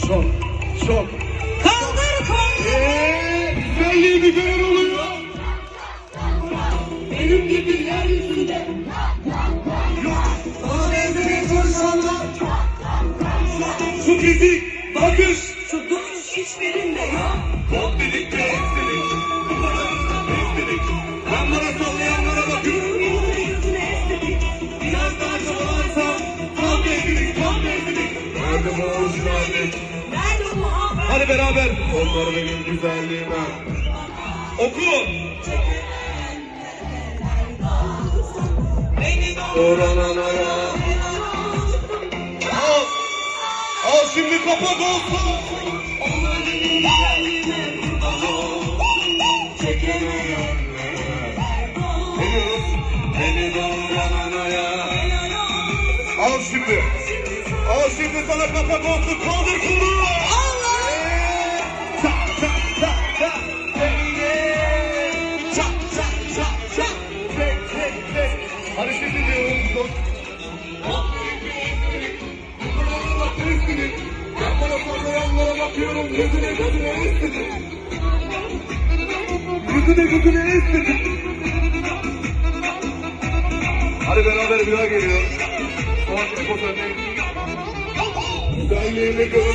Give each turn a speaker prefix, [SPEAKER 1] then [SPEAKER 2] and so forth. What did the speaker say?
[SPEAKER 1] Çok, çok.
[SPEAKER 2] Kaldır kol.
[SPEAKER 1] Güzelliği bir gören oluyor.
[SPEAKER 2] Benim gibi yeryüzünde.
[SPEAKER 1] Sana benzemeyen konuşanlar. Şu fizik, bakış.
[SPEAKER 2] Şu duruş hiçbirinde yok.
[SPEAKER 1] Bot dedik de istedik. Bu kadarından istedik. Ben bana sallayanlara bakıyorum.
[SPEAKER 2] Yüzüne estetik.
[SPEAKER 1] Biraz daha çabalarsam tam devrilik, tam devrilik. Nerede bu orijinallik?
[SPEAKER 2] Nerede bu haber?
[SPEAKER 1] Hadi beraber. Onlar benim güzelliğime. Oku.
[SPEAKER 2] Beni
[SPEAKER 1] Orananaya. Al. Al şimdi kapak olsun.
[SPEAKER 2] Onlar benim güzelliğime kurban olsun. Çekemeyenler.
[SPEAKER 1] Beni doğurananaya. Al şimdi. Al şimdi sana kapak olsun. Kaldır kulu.
[SPEAKER 2] Allah!
[SPEAKER 1] Çak çak çak çak. Çak çak çak çak. Çek çek çek. Hadi şimdi diyorum. Ben bana sallayanlara bakıyorum. Gözüne gözüne istedim. Gözüne gözüne istedim. Hadi beraber bir daha geliyor. Son bir fotoğrafı. Güzelliğini gör.